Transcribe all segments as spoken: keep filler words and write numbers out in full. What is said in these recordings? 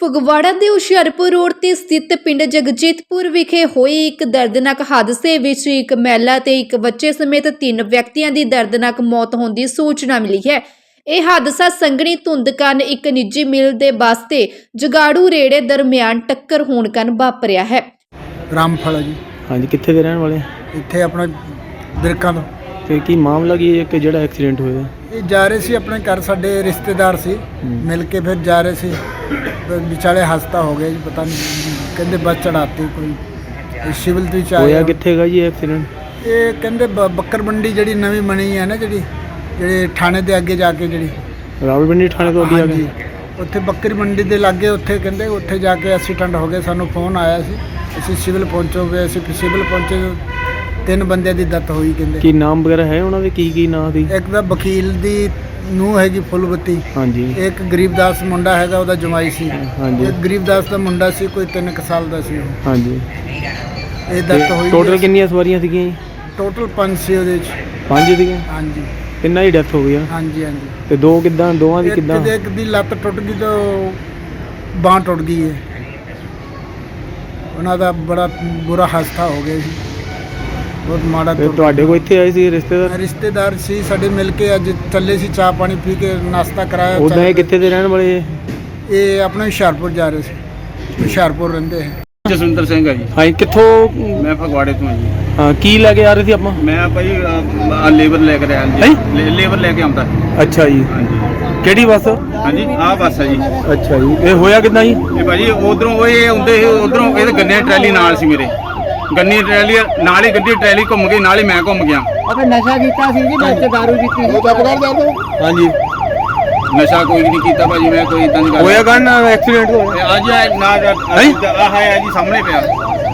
ਫਗਵਾੜਾ ਦੇ ਹੁਸ਼ਿਆਰਪੁਰ ਰੋਡ ਤੇ ਸਥਿਤ ਪਿੰਡ ਜਗਜੀਤਪੁਰ ਵਿਖੇ ਹੋਏ ਇੱਕ ਦਰਦਨਾਕ ਹਾਦਸੇ ਵਿੱਚ ਇੱਕ ਮਹਿਲਾ ਤੇ ਇੱਕ ਬੱਚੇ ਸਮੇਤ ਤਿੰਨ ਵਿਅਕਤੀਆਂ ਦੀ ਦਰਦਨਾਕ ਮੌਤ ਹੋਣ ਦੀ ਸੂਚਨਾ ਮਿਲੀ ਹੈ। ਇਹ ਹਾਦਸਾ ਸੰਘਣੀ ਧੁੰਦ ਕਾਰਨ ਇੱਕ ਨਿੱਜੀ ਮਿਲ ਦੇ ਬੱਸ ਤੇ ਜਗਾੜੂ ਰੇੜੇ ਦਰਮਿਆਨ ਟੱਕਰ ਹੋਣ ਕਾਰਨ ਵਾਪਰਿਆ ਹੈ। ਰਾਮਫਲ ਜੀ। ਹਾਂਜੀ, ਕਿੱਥੇ ਦੇ ਰਹਿਣ ਵਾਲੇ? ਇੱਥੇ ਆਪਣਾ ਬਿਰਕਾਂ ਤੋਂ। ਤੇ ਕੀ ਮਾਮਲਾ ਕੀ ਹੈ ਕਿ ਜਿਹੜਾ ਐਕਸੀਡੈਂਟ ਹੋਇਆ? ਇਹ ਜਾ ਰਹੇ ਸੀ ਆਪਣੇ ਘਰ, ਸਾਡੇ ਰਿਸ਼ਤੇਦਾਰ ਸੀ, ਮਿਲ ਕੇ ਫਿਰ ਜਾ ਰਹੇ ਸੀ, ਵਿਚਾਲੇ ਹਾਦਸਾ ਹੋ ਗਿਆ ਜੀ। ਪਤਾ ਨਹੀਂ ਕਹਿੰਦੇ ਬੱਸ ਚੜਾਤੀ ਕੋਈ ਸਿਵਲ ਤੋਂ ਚ ਆਇਆ। ਹੋਇਆ ਕਿੱਥੇਗਾ ਜੀ ਐਕਸੀਡੈਂਟ? ਇਹ ਕਹਿੰਦੇ ਬ- ਬੱਕਰ ਮੰਡੀ ਜਿਹੜੀ ਨਵੀਂ ਬਣੀ ਹੈ ਨਾ, ਜਿਹੜੀ ਜਿਹੜੇ ਥਾਣੇ ਦੇ ਅੱਗੇ ਜਾ ਕੇ, ਜਿਹੜੀ ਰਾਵਲਪਿੰਡੀ ਥਾਣੇ ਤੋਂ ਅੱਗੇ ਆ ਹਾਂਜੀ, ਉੱਥੇ ਬੱਕਰੀ ਮੰਡੀ ਦੇ ਲਾਗੇ, ਉੱਥੇ ਕਹਿੰਦੇ ਉੱਥੇ ਜਾ ਕੇ ਐਕਸੀਡੈਂਟ ਹੋ ਗਿਆ। ਸਾਨੂੰ ਫੋਨ ਆਇਆ ਸੀ, ਅਸੀਂ ਸਿਵਲ ਪਹੁੰਚੋਗੇ। ਅਸੀਂ ਸਿਵਲ ਪਹੁੰਚੇ, ਤਿੰਨ ਬੰਦਿਆਂ ਦੀ ਡੈਥ ਹੋਈ। ਕਹਿੰਦੇ ਕੀ ਨਾਮ ਵਗੈਰਾ ਹੈ ਉਹਨਾਂ ਦੇ? ਕੀ ਕੀ ਨਾਂ ਦੀ? ਇੱਕ ਤਾਂ ਵਕੀਲ ਦੀ ਨੂੰਹ ਹੈਗੀ ਫੁੱਲਬੱਤੀ, ਹਾਂਜੀ। ਇੱਕ ਗਰੀਬਦਾਸ ਮੁੰਡਾ ਹੈਗਾ, ਉਹਦਾ ਜਮਾਈ ਸੀ। ਹਾਂਜੀ। ਇੱਕ ਗਰੀਬਦਾਸ ਦਾ ਮੁੰਡਾ ਸੀ, ਕੋਈ ਤਿੰਨ ਕੁ ਸਾਲ ਦਾ ਸੀ। ਹਾਂਜੀ। ਇਹ ਡੈਥ ਹੋਈ। ਟੋਟਲ ਕਿੰਨੀਆਂ ਸਵਾਰੀਆਂ ਸੀਗੀਆਂ ਜੀ? ਟੋਟਲ ਪੰਜ ਸੀ ਉਹਦੇ ਚ। ਪੰਜ ਸੀਗੀਆਂ? ਹਾਂਜੀ ਤਿੰਨਾਂ ਦੀ ਡੈਥ ਹੋ ਗਈ ਆ? ਹਾਂਜੀ ਹਾਂਜੀ। ਤੇ ਦੋ ਕਿੱਦਾਂ? ਦੋਵਾਂ ਦੀ ਕਿੱਦਾਂ? ਇੱਕ ਇੱਕ ਦੀ ਲੱਤ ਟੁੱਟ ਗਈ ਤੇ ਬਾਂਹ ਟੁੱਟ ਗਈ ਹੈ। ਉਹਨਾਂ ਦਾ ਬੜਾ ਬੁਰਾ ਹਾਦਸਾ ਹੋ ਗਿਆ ਸੀ, ਬਹੁਤ ਮਾੜਾ। ਤੇ ਤੁਹਾਡੇ ਕੋਲ ਇੱਥੇ ਆਏ ਸੀ ਰਿਸ਼ਤੇਦਾਰ? ਰਿਸ਼ਤੇਦਾਰ ਸੀ ਸਾਡੇ, ਮਿਲ ਕੇ ਅੱਜ ਚੱਲੇ ਸੀ, ਚਾਹ ਪਾਣੀ ਪੀ ਕੇ ਨਾਸ਼ਤਾ ਕਰਾਇਆ। ਉਦਾਂ ਇਹ ਕਿੱਥੇ ਦੇ ਰਹਿਣ ਵਾਲੇ? ਇਹ ਆਪਣੇ ਹੁਸ਼ਿਆਰਪੁਰ ਜਾ ਰਹੇ ਸੀ, ਹੁਸ਼ਿਆਰਪੁਰ ਰਹਿੰਦੇ ਹੈ। ਜਸਵਿੰਦਰ ਸਿੰਘ ਹੈ ਜੀ। ਹਾਂਜੀ, ਕਿੱਥੋਂ? ਮੈਂ ਫਗਵਾੜੇ ਤੋਂ ਹਾਂ ਜੀ। ਹਾਂ, ਕੀ ਲੈ ਕੇ ਆ ਰਹੇ ਸੀ ਆਪਾਂ? ਮੈਂ ਭਾਈ ਆਹ ਲੇਬਰ ਲੈ ਕੇ ਆਇਆ ਜੀ। ਲੇ- ਲੇਬਰ ਲੈ ਕੇ ਆਉਂਦਾ। ਅੱਛਾ ਜੀ। ਹਾਂਜੀ ਕਿਹੜੀ ਬੱਸ? ਹਾਂਜੀ, ਆਹ ਬੱਸ ਹੈ ਜੀ। ਅੱਛਾ ਜੀ। ਇਹ ਹੋਇਆ ਕਿੱਦਾਂ ਜੀ? ਇਹ ਭਾਜੀ ਉਧਰੋਂ ਉਹ ਇਹ ਆਉਂਦੇ ਸੀ, ਉਧਰੋਂ ਇਹਦੇ ਗੰਨੇ ਦੀ ਟਰੈਲੀ ਨਾਲ ਸੀ ਮੇਰੇ। ਗੰਨੇ ਦੀ ਟਰੈਲੀ ਨਾਲ ਹੀ ਗੱਡੀ ਟਰੈਲੀ ਘੁੰਮ ਗਈ, ਨਾਲ ਹੀ ਮੈਂ ਘੁੰਮ ਗਿਆ। ਆਪਾਂ ਨਸ਼ਾ ਕੀਤਾ ਸੀ ਜੀ, ਵਿੱਚ ਦਾਰੂ ਪੀਤੀ ਸੀ। ਹਾਂਜੀ। ਨਸ਼ਾ ਕੋਈ ਨਹੀਂ ਕੀਤਾ ਭਾਜੀ, ਮੈਂ ਕੋਈ ਇਦਾਂ ਦੀ ਗੱਲ ਹੋਇਆ ਕਾਹਨ ਐਕਸੀਡੈਂਟ ਹੋਇਆ? ਇਹ ਅੱਜ ਇਹ ਨਾ ਆਹ ਹੈ ਜੀ ਸਾਹਮਣੇ ਪਿਆ।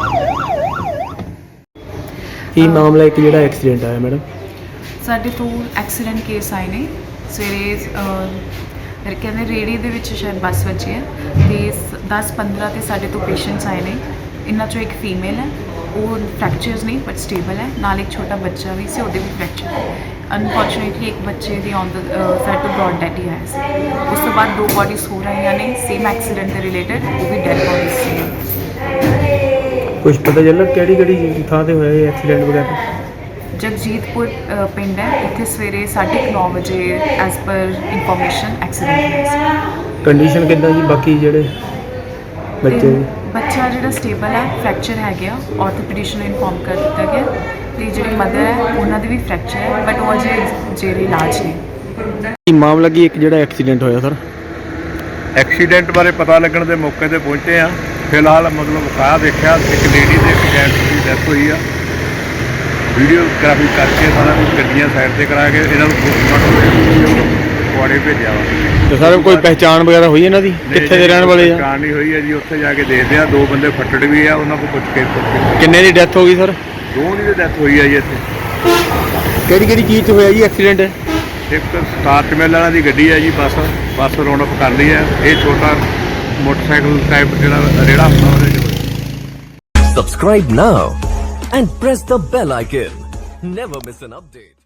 ਕੀ ਮਾਮਲਾ ਇੱਕ ਜਿਹੜਾ ਐਕਸੀਡੈਂਟ ਆਇਆ ਮੈਡਮ? ਸਾਡੇ ਤੋਂ ਐਕਸੀਡੈਂਟ ਕੇਸ ਆਏ ਨੇ ਸਵੇਰੇ। ਮੇਰੇ ਕਹਿੰਦੇ ਰੇੜੀ ਦੇ ਵਿੱਚ ਸ਼ਾਇਦ ਬੱਸ ਵੱਜੀ ਹੈ ਤੇ ਦਸ ਪੰਦਰਾਂ ਤੇ ਸਾਡੇ ਤੋਂ ਪੇਸ਼ੈਂਟਸ ਆਏ ਨੇ। ਇਹਨਾਂ ਚੋਂ ਇੱਕ ਫੀਮੇਲ ਹੈ, ਉਹ ਫ੍ਰੈਕਚਰਸ ਨਹੀਂ ਬਟ ਸਟੇਬਲ ਹੈ। ਨਾਲ ਇੱਕ ਛੋਟਾ ਬੱਚਾ ਵੀ ਸੀ, ਉਹਦੇ ਵੀ ਫ੍ਰੈਕਚਰ ਹੈ। ਅਨਫੋਰਚੂਨੇਟਲੀ ਇੱਕ ਬੱਚੇ ਦੀ ਔਨ ਦ ਸਾਈਡ ਤੋਂ ਬ੍ਰੌਡ ਡੈਥ ਹੀ ਆਇਆ ਸੀ। ਉਸ ਤੋਂ ਬਾਅਦ ਦੋ ਬੋਡੀਜ਼ ਹੋ ਰਹੀਆਂ ਨੇ ਸੇਮ ਐਕਸੀਡੈਂਟ ਦੇ ਰਿਲੇਟਡ, ਉਹ ਵੀ ਡੈਡ ਬੋਡੀਜ਼ ਸੀ। ਕੁਝ ਪਤਾ ਚੱਲਾ ਕਿਹੜੀ ਕਿਹੜੀ ਥਾਂ ਤੇ ਹੋਇਆ ਇਹ ਐਕਸੀਡੈਂਟ ਵਗੈਰਾ? ਜਗਜੀਤਪੁਰ ਅ, ਪਿੰਡ ਹੈ। ਇੱਥੇ ਸਵੇਰੇ ਸਾਢੇ ਕੁ ਨੌ ਵਜੇ ਐਜ਼ ਪਰ ਇਨਫੋਰਮੇਸ਼ਨ ਐਕਸੀਡੈਂਟ ਹੋਇਆ ਸੀ। ਕੰਡੀਸ਼ਨ ਕਿੱਦਾਂ ਜੀ ਬਾਕੀ ਜਿਹੜੇ ਬੱਚੇ ਤੇ ਦੀ? ਬੱਚਾ ਜਿਹੜਾ ਸਟੇਬਲ ਹੈ, ਫ੍ਰੈਕਚਰ ਹੈ ਗਿਆ, ਆਰਥੋਪੈਡਿਸ਼ਨ ਨੂੰ ਇਨਫੋਰਮ ਕਰ ਦਿੱਤਾ ਗਿਆ। ਤੇ ਜਿਹੜੇ ਮਦਰ ਹੈ ਉਹਨਾਂ ਦੇ ਵੀ ਫ੍ਰੈਕਚਰ ਹੈ ਬਟ ਉਹ ਅਜੇ ਜੇਰੇ ਇਲਾਜ ਨੇ। ਕੀ ਮਾਮਲਾ ਕੀ ਇੱਕ ਜਿਹੜਾ ਐਕਸੀਡੈਂਟ ਹੋਇਆ ਸਰ? ਐਕਸੀਡੈਂਟ ਬਾਰੇ ਪਤਾ ਲੱਗਣ ਦੇ ਮੌਕੇ ਤੇ ਪਹੁੰਚੇ ਆ। ਫਿਲਹਾਲ ਮਤਲਬ ਕਾਹ ਦੇਖਿਆ, ਇੱਕ ਲੇਡੀ ਦੇ ਇੱਕ ਜੈਂਟਸ ਦੀ ਡੈਥ ਹੋਈ ਆ। ਵੀਡੀਓਗ੍ਰਾਫੀ ਕਰਕੇ ਸਾਰਾ ਕੁਝ ਗੱਡੀਆਂ ਸਾਈਡ ਤੇ ਕਰਾ ਕੇ ਇਹਨਾਂ ਨੂੰ ਕੁਆੜੇ ਭੇਜਿਆ ਵਾ। ਤੇ ਸਰ ਕੋਈ ਪਹਿਚਾਣ ਵਗੈਰਾ ਹੋਈ ਇਹਨਾਂ ਦੀ? ਕਿੱਥੇ ਦੇ ਰਹਿਣ ਵਾਲੇ ਆ? ਪਹਿਚਾਣ ਨਹੀਂ ਹੋਈ ਹੈ ਜੀ, ਉੱਥੇ ਜਾ ਕੇ ਦੇਖਦੇ ਆ। ਦੋ ਬੰਦੇ ਫੱਟੜ ਵੀ ਆ, ਉਹਨਾਂ ਕੋਲ ਪੁੱਛ ਕੇ ਪੁੱਛ ਕੇ ਕਿੰਨੇ ਦੀ ਡੈਥ ਹੋ ਗਈ ਸਰ? ਦੋ ਦੀ ਡੈਥ ਹੋਈ ਆ ਜੀ ਇੱਥੇ। ਕਿਹੜੀ ਕਿਹੜੀ ਚੀਜ਼ 'ਚ ਹੋਇਆ ਜੀ ਐਕਸੀਡੈਂਟ? ਇੱਕ ਸਟਾਰਟ ਮਿਲ ਵਾਲਾ ਦੀ ਗੱਡੀ ਹੈ ਜੀ, ਬੱਸ ਬੱਸ ਰੌਣਕ ਕਰ ਲਈ ਹੈ। ਇਹ ਛੋਟਾ ਮੋਟਰਸਾਈਕਲ ਟਾਈਪ ਜਿਹੜਾ ਰੇੜਾ ਹੁੰਦਾ ਉਹਦੇ 'ਚ। Subscribe now and press the bell icon. Never miss an update.